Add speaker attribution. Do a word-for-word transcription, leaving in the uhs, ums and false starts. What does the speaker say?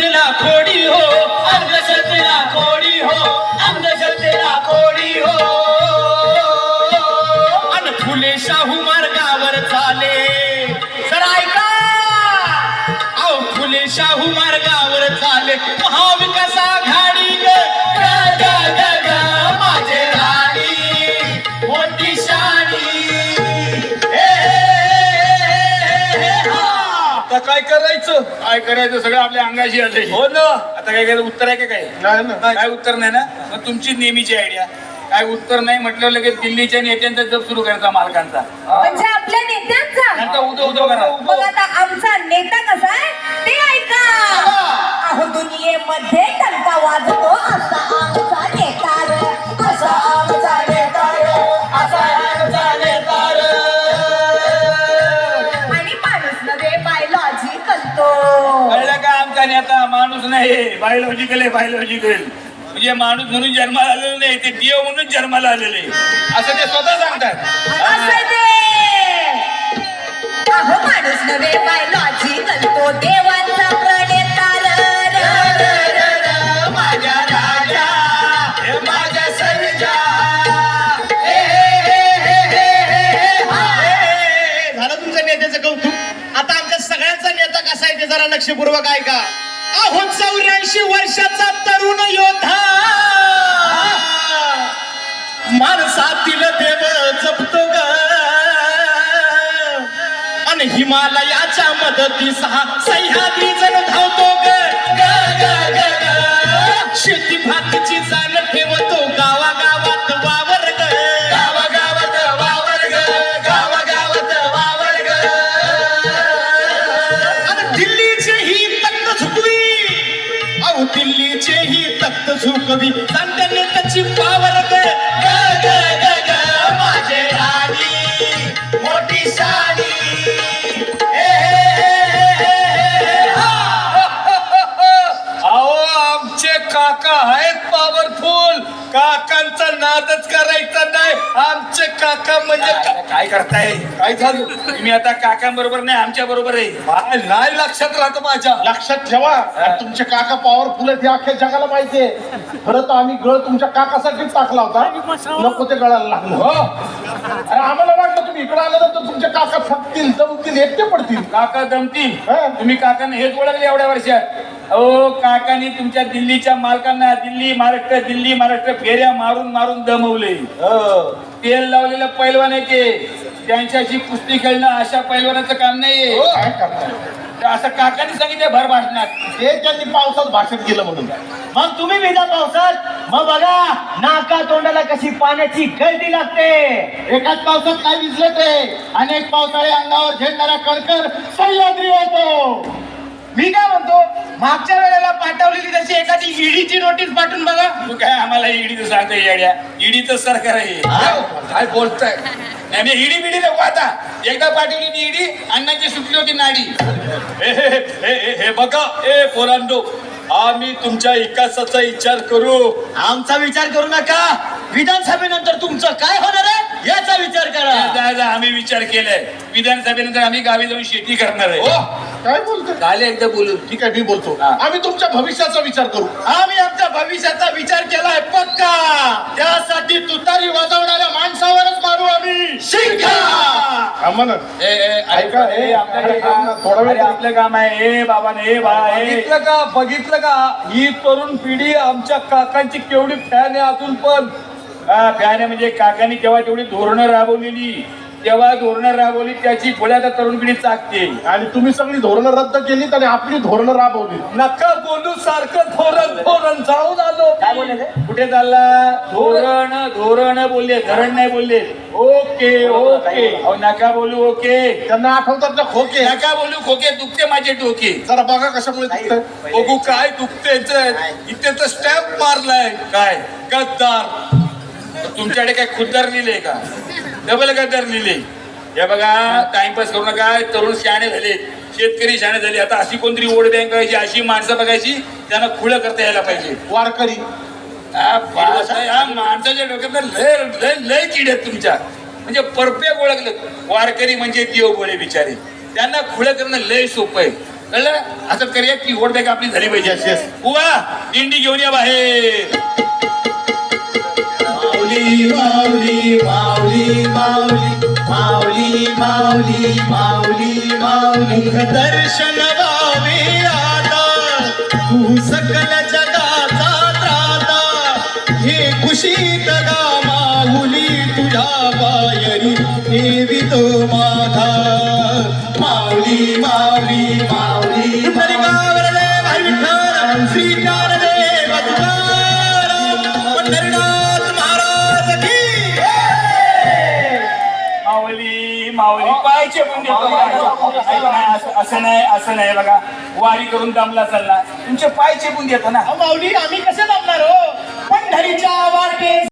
Speaker 1: अंधश्रद्धेला खोडी हो, अंधश्रद्धेला खोडी हो, अंधश्रद्धेला खोडी हो. अन फुले शाहू मार्गावर चाले, तर ऐका अहो फुले शाहू मार्गावर चाले महाविकास आघाडी ग ग ग ग माझे राणी मोठी शाणी.
Speaker 2: आता काय करायचं?
Speaker 3: काय करायचं सगळं आपल्या अंगाशी आले.
Speaker 2: हो ना.
Speaker 3: आता काय करायचं उत्तर आहे का काय?
Speaker 2: नाही ना.
Speaker 3: काय उत्तर नाही ना. मग तुमची नेहमीची आयडिया काय उत्तर नाही म्हटलं लगेच दिल्लीच्या नेत्यांचा जप सुरू करायचा मालकांचा.
Speaker 4: म्हणजे आपल्या नेत्यांचा
Speaker 3: त्यांचा उदो उदो करा.
Speaker 4: मग आता आमचा नेता कसा आहे ते ऐका. अहो दुनियेमध्ये टंका वाजतो असा आमचा नेता रे, असा आमचा नेता रे, असा आमचा नेता रे. आणि माणूस नव्हे बायोलॉजी करतो.
Speaker 3: कळलं का? आमचा नेता माणूस नाही, बायोलॉजिकल आहे, बायोलॉजिकल. म्हणजे माणूस म्हणून जन्माला आलेलं नाही, ते देव म्हणून जन्माला आलेले असं ते स्वतः सांगतात.
Speaker 4: असं ते अहो माणूस नव्हे बायोलॉजी करतो देवांचा प्रणेता र, र, र, र, र, माझ्या राजा
Speaker 3: हे माझ्या सर्जा.
Speaker 1: हे, हे, हे, हे, हे, हे, हा. हे, झालं तुमच्या नेत्याचं कौतुक. आता आमच्या सगळ्यांचा नेता कसा आहे ते जरा लक्षपूर्वक ऐका. अहो चौऱ्याऐंशी वर्षाचा तरुण योद्धा माणसातील देव जपतो ग, आणि हिमालयाच्या मदतीस हा सह्याद्री जण धावतो ग ग ग ग ग. शेती भातीची जाण ठेवतो गावागावात वावर ग, गावागावात वावर ग, गावागावात वावर ग. आणि दिल्लीचे ही तख्त झुकवी, अहो दिल्लीचे ही तख्त झुकवी सांगते नेत्याची पावर ग ग ग ग ग माझे राणी मोठी शाणी.
Speaker 2: अहो आमचे काका आहेत पॉवरफुल. काकांचा नादच करायचा नाही. आमचे काका म्हणजे का-
Speaker 3: काय करताय?
Speaker 2: काय झालं?
Speaker 3: तुम्ही आता काकांबरोबर नाही, आमच्या बरोबर आहे.
Speaker 2: काय नाही लक्षात राहत माझ्या.
Speaker 5: लक्षात ठेवा आणि तुमचे काका पॉवरफुल आहेत हे अख्ख्या जगाला माहितीये. खरं तर आम्ही गळ तुमच्या काकासाठीच टाकला होता, नको ते गळायला लागलं.
Speaker 2: हो.
Speaker 5: अरे आम्हाला वाटलं तुम्ही इकडे आल्यानंतर तुमचे काका थकतील, जमतील, एकटे पडतील.
Speaker 3: काका दमतील.
Speaker 5: हा.
Speaker 3: तुम्ही काकांना हेच ओळखले एवढ्या वर्षात. अहो काकांनी तुमच्या दिल्लीच्या मालकांना दिल्ली महाराष्ट्र दिल्ली महाराष्ट्र फेऱ्या मारून मारून दमवले. तेल लावलेलं पैलवान आहे ते. त्यांच्याशी कुस्ती खेळणं अशा पैलवानाचं काम नाहीये.
Speaker 5: काय करताय?
Speaker 3: तर असं काकांनी सांगितलं भर भाषणात.
Speaker 5: ते त्यांनी पावसात भाषण केलं म्हणून.
Speaker 1: मग तुम्ही भिजा पावसात, मग बघा नाका तोंडाला कशी पाण्याची गळती लागते.
Speaker 5: एकाच पावसात काय विजले ते अनेक पावसाळे अंगावर झेडणारा कणकर सह्याद्री होतो.
Speaker 1: मी काय म्हणतो, मागच्या वेळेला पाठवलेली तशी एखादी ईडीची नोटीस पाठवून बघा.
Speaker 3: तू काय आम्हाला ईडीचं सांगता येड्या? ईडीचं सरकार आहे.
Speaker 2: काय बोलताय?
Speaker 3: नाही नाही, ईडी बिडी नको आता. एकदा पाठवली होती ईडी, अण्णांची सुटली होती नाडी.
Speaker 2: हे हे हे हे हे बघा ए पोरांनो, आम्ही तुमच्या विकासाचा विचार करू.
Speaker 1: आमचा विचार करू नका. विधानसभेनंतर तुमचं काय होणार आहे याचा विचार करा.
Speaker 3: दादा आम्ही विचार केलाय. विधानसभेनंतर आम्ही गावी जाऊन शेती करणार आहे.
Speaker 5: हो काय बोलतो?
Speaker 3: झाले एकदा बोलून.
Speaker 5: ठीक आहे मी बोलतो. आम्ही तुमच्या भविष्याचा विचार करू.
Speaker 1: आम्ही आमच्या भविष्याचा विचार केलाय पक्का. त्यासाठी तुतारी वाजवणाऱ्या माणसावरच मारू आम्ही शिंका.
Speaker 5: आम्हा ना
Speaker 3: ए, ए,
Speaker 5: ऐका,
Speaker 3: ए,
Speaker 5: ए,
Speaker 3: आपलं
Speaker 5: अरे,
Speaker 3: काम-
Speaker 5: थोडा वेळ-
Speaker 3: अरे, आपलं काम आहे. ए बाबा ए बाळा ए.
Speaker 2: बघितलं का बघितलं का ही तरुण पिढी आमच्या काकांची केवढी फॅन आहे अजून पण.
Speaker 3: हा फॅन म्हणजे काकांनी तेव्हा तेवढी धोरणं राबवलेली, तेव्हा धोरणं राबवली त्याची पुढे आता तरुण पिढी चाकते.
Speaker 5: आणि तुम्ही सगळी धोरणं रद्द केलीत आणि आपली धोरणं राबवली.
Speaker 2: नका बोलू सारखं धोरण धोरण जाऊन आलो.
Speaker 1: काय बोलले ते?
Speaker 3: कुठे चालला? धोरण धोरण बोलले, धरण नाही बोलले. Okay okay. अहो नका बोलू ओके.
Speaker 5: त्यांना आठवतात ना खोके.
Speaker 3: नका बोलू खोके, दुखते माझे डोके.
Speaker 5: जरा बघा कशामुळे दुखतंय.
Speaker 2: बघू काय दुखते इथे तर स्टॅम्प मारलाय.
Speaker 3: काय
Speaker 2: गद्दार.
Speaker 3: तुमच्याकडे काय खुद्दार लिहिले का? डबल गद्दार लिहिले. हे बघा टाइमपास करू नका. तरुण शहाणे झाले, शेतकरी शहाणे झाले. आता अशी कोणतरी वोट बँक करायची, अशी माणसं बघायची त्यांना खुलं करता यायला पाहिजे.
Speaker 5: वारकरी
Speaker 3: हा बाळासाहेब, हा माणसाच्या डोक्यात लय लय लय किड आहेत तुमच्या. म्हणजे परफेक्ट ओळखलं. वारकरी म्हणजे देव बोले बिचारे. त्यांना खुलं करणं लय सोपं आहे. कळलं असं करूया की ओढ का आपली झाली पाहिजे
Speaker 5: Yes, yes.
Speaker 3: उवा दिंडी घेऊन या बाहेर
Speaker 1: माऊली माऊली माऊली माऊली माऊली माऊली माऊली माऊली दर्शन व्हावे आता तू सकल जगाचा त्राता हे खुशीत गा माऊली तुझ्या पायरी देवी तो माझा माऊली माऊली माऊली तरी गावरले भाई विठ्ठल श्री ज्ञानदेव तुकाराम पंढरीनाथ महाराज की
Speaker 3: माऊली माऊली पायचे पण देतो ऐका ना, असं- असं नाही असं नाही बघा वारी करून दमला चालला तुमचे पायचे पण देतो ना
Speaker 1: माऊली आम्ही कसे जमणार हो पंढरीच्या वाटे